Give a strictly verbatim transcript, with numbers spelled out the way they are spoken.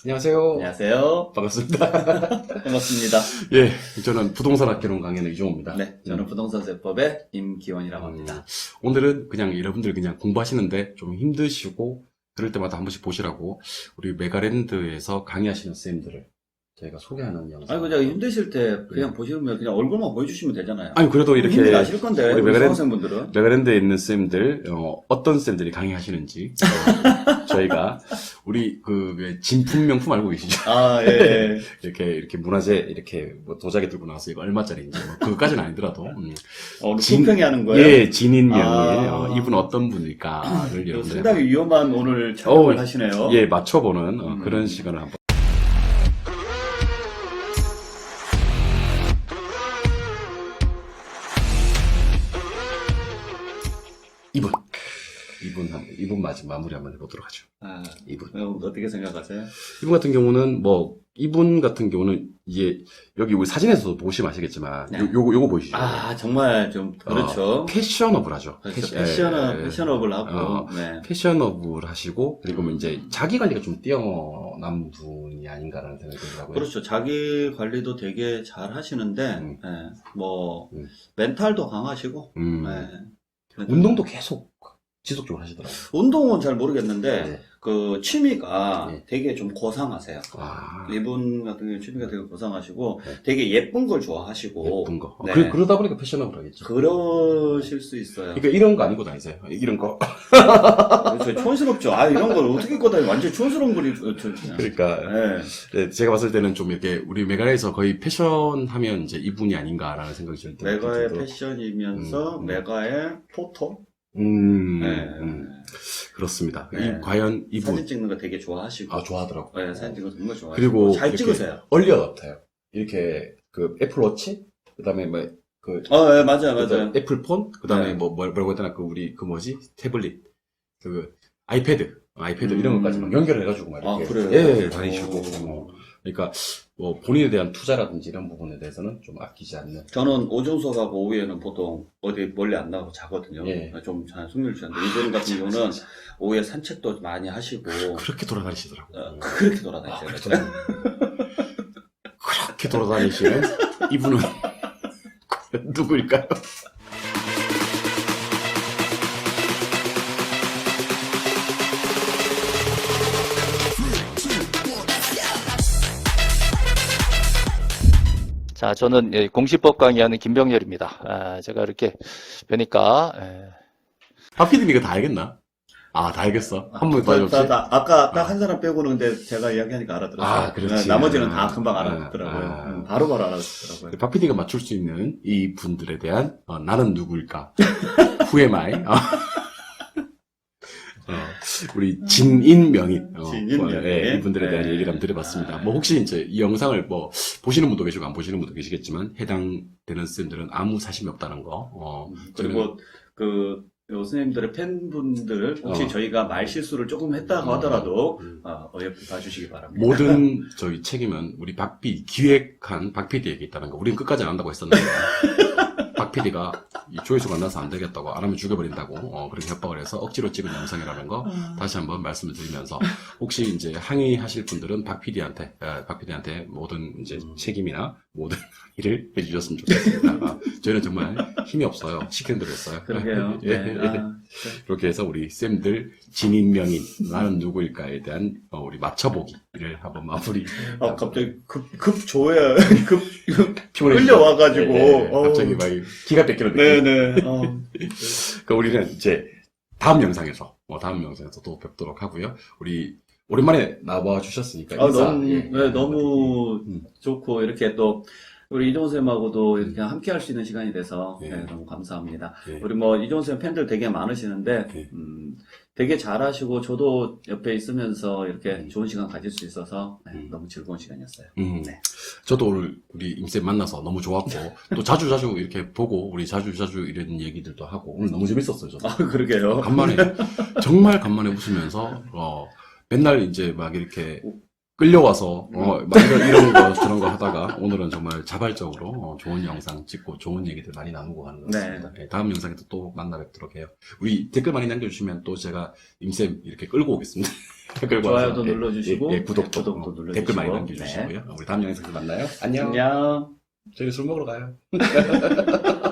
안녕하세요. 안녕하세요. 반갑습니다. 반갑습니다. 예, 저는 부동산 학개론 강연의 이종호입니다. 네, 저는 음. 부동산 세법의 임기원이라고 음, 합니다. 오늘은 그냥 여러분들 그냥 공부하시는데 좀 힘드시고 그럴 때마다 한 번씩 보시라고 우리 메가랜드에서 강의하시는 쌤들을 저희가 소개하는 영상. 아니, 그냥 힘드실 때 그냥 보시면 그냥 얼굴만 보여주시면 되잖아요. 아니 그래도 이렇게 힘이 나실 건데, 우리 우리 메가랜드- 수강생분들은. 메가랜드에 있는 쌤들 어, 어떤 쌤들이 강의하시는지 어, 저희가 우리 그 진품 명품 알고 계시죠? 아, 예. 이렇게 이렇게 문화재 이렇게 뭐 도자기 들고 나와서 이거 얼마짜리인지 뭐 그것까지는 아니더라도 음. 어, 오늘 진- 품평이 하는 거예요? 예, 진인명이 아. 어, 이분 어떤 분일까를 이거 여러분들 상당히 위험한 오늘 촬영을 어우, 하시네요. 예 맞춰보는 어, 음. 그런 시간을 한번. 이분 이분 한 이분 마지 마무리 한번 해보도록 하죠. 아, 이분 그럼 어떻게 생각하세요? 이분 같은 경우는 뭐 이분 같은 경우는 이제 여기 우리 사진에서도 보시면 아시겠지만 네. 요, 요거 요거 보이시죠? 아, 정말 좀, 그렇죠. 어, 패셔너블하죠. 그렇죠. 패시- 패셔너, 예, 예. 패셔너블 하고, 어, 네. 패셔너블 하시고 그리고 뭐 이제 자기 관리가 좀 뛰어난 분이 아닌가라는 생각이 들더라고요. 그렇죠. 자기 관리도 되게 잘 하시는데, 음. 예, 뭐, 음. 멘탈도 강하시고, 음. 예. 운동도 계속 지속적으로 하시더라고요. 운동은 잘 모르겠는데, 네. 그, 취미가 네. 되게 좀 고상하세요. 아, 이분 같은 경우 취미가 되게 고상하시고, 네. 되게 예쁜 걸 좋아하시고, 예쁜 거. 네. 그, 그러다 보니까 패셔너블 하겠죠. 그러실 수 있어요. 그러니까 이런 거 아니고 다니세요. 이런 거. 그렇죠. 촌스럽죠. 아, 이런 걸 어떻게 입고 다니 완전 촌스러운 거리, 그렇죠. 그러니까 네. 네, 제가 봤을 때는 좀 이렇게 우리 메가에서 거의 패션 하면 이제 이분이 아닌가라는 생각이 들 때. 메가의 패션이면서, 음, 음. 메가의 포토? 음, 네. 음, 그렇습니다. 네. 이, 과연 이분. 사진 찍는 거 되게 좋아하시고. 아, 좋아하더라고요. 네, 사진 찍는 거 정말 좋아하시고. 그리고 잘 이렇게 찍으세요. 얼리 어답터요. 이렇게 그 애플워치, 그 다음에 뭐, 그, 어, 네, 맞아요, 맞아요. 그다음에 애플폰, 그 다음에 네. 뭐, 뭐, 뭐라고 했더나, 그, 우리, 그 뭐지? 태블릿, 그, 아이패드, 아이패드 음. 이런 것까지 막 연결해가지고 막 아, 이렇게. 그래요? 예, 다니시고. 오. 뭐. 그러니까, 뭐, 본인에 대한 투자라든지 이런 부분에 대해서는 좀 아끼지 않는. 저는 오전 수업하고 오후에는 보통 어디 멀리 안 나가고 자거든요. 예. 좀 잘 숙면을 취하는데 이분 같은 경우는 오후에 산책도 많이 하시고 그렇게 돌아다니시더라고요. 어, 그렇게 아, 돌아다니세요. 그렇게 돌아- 그렇게 돌아다니시는 이분은 누구일까요? 자, 저는 예, 공시법 강의하는 김병렬입니다. 아, 제가 이렇게 뵈니까 예, 박피디님 이거 다 알겠나? 아, 다 알겠어. 한 번 더 다, 해줬지? 다, 다, 아까 딱 아. 한 사람 빼고는 근데 제가 이야기하니까 알아들었어요. 아, 그렇지. 네, 나머지는 아. 다 금방 알아듣더라고요. 아. 음, 바로바로 알아듣더라고요. 박피디가 맞출 수 있는 이 분들에 대한 어, 나는 누구일까? Who am I? 어. 어, 우리 진인명인, 어, 진인명인. 예, 이분들에 대한 네. 얘기를 한번 드려봤습니다. 아. 뭐 혹시 이제 이 영상을 뭐 보시는 분도 계시고 안 보시는 분도 계시겠지만 해당되는 쌤들은 아무 사심이 없다는 거. 어, 그리고 그 교수님들의 팬분들 혹시 어. 저희가 말 실수를 조금 했다고 어. 하더라도 음. 어, 어여삐 봐주시기 바랍니다. 모든 저희 책임은 우리 박피 기획한 박피디에게 있다는 거. 우리는 끝까지 안 한다고 했었는데 박피디가 조회수가 안 나서 안 되겠다고 안 하면 죽여버린다고 어, 그렇게 협박을 해서 억지로 찍은 영상이라는 거 다시 한번 말씀을 드리면서 혹시 이제 항의하실 분들은 박피디한테 박피디한테 모든 이제 음. 책임이나 모든 일을 해주셨으면 좋겠습니다. 아, 저희는 정말 힘이 없어요. 시키는 대로 했어요. 그러게요. 예, 네. 예. 아, 그렇게 해서 우리 쌤들 진인명인 나는 누구일까에 대한 어, 우리 맞춰보기를 한번 마무리. 아, 갑자기 급, 급 조회, 급, 피곤해지죠? 끌려와가지고. 예, 예. 어우. 갑자기 막 기가 뺏기는 느낌. 네네. 어. 그 우리는 이제 다음 영상에서 뭐 다음 영상에서 또 뵙도록 하고요. 우리 오랜만에 나와 주셨으니까 아, 인사. 너무, 예, 네, 너무 음. 좋고, 이렇게 또, 우리 이종호 쌤하고도 이렇게 함께 할 수 있는 시간이 돼서, 예. 네, 너무 감사합니다. 예. 우리 뭐, 이종호 쌤 팬들 되게 많으시는데, 예. 음, 되게 잘하시고, 저도 옆에 있으면서 이렇게 음. 좋은 시간 가질 수 있어서, 네, 음. 너무 즐거운 시간이었어요. 음, 네. 저도 오늘 우리 임쌤 만나서 너무 좋았고 또 자주 자주 이렇게 보고 우리 자주 자주 이런 얘기들도 하고 오늘 너무 재밌었어요. 저도. 아, 그러게요. 간만에 정말 간만에 웃으면서 어 맨날 이제 막 이렇게 끌려와서 어, 막 이런, 이런 거 저런 거 하다가 오늘은 정말 자발적으로 어, 좋은 영상 찍고 좋은 얘기들 많이 나누고 가는 것 같습니다. 네, 다음 영상에도 또 만나 뵙도록 해요. 우리 댓글 많이 남겨주시면 또 제가 임쌤 이렇게 끌고 오겠습니다. 끌고 좋아요도 와서, 예, 눌러주시고 예, 예, 구독도, 구독도 어, 눌러주시고 댓글 많이 남겨주시고요. 우리 다음 영상에서 만나요. 안녕. 안녕. 저희 술 먹으러 가요.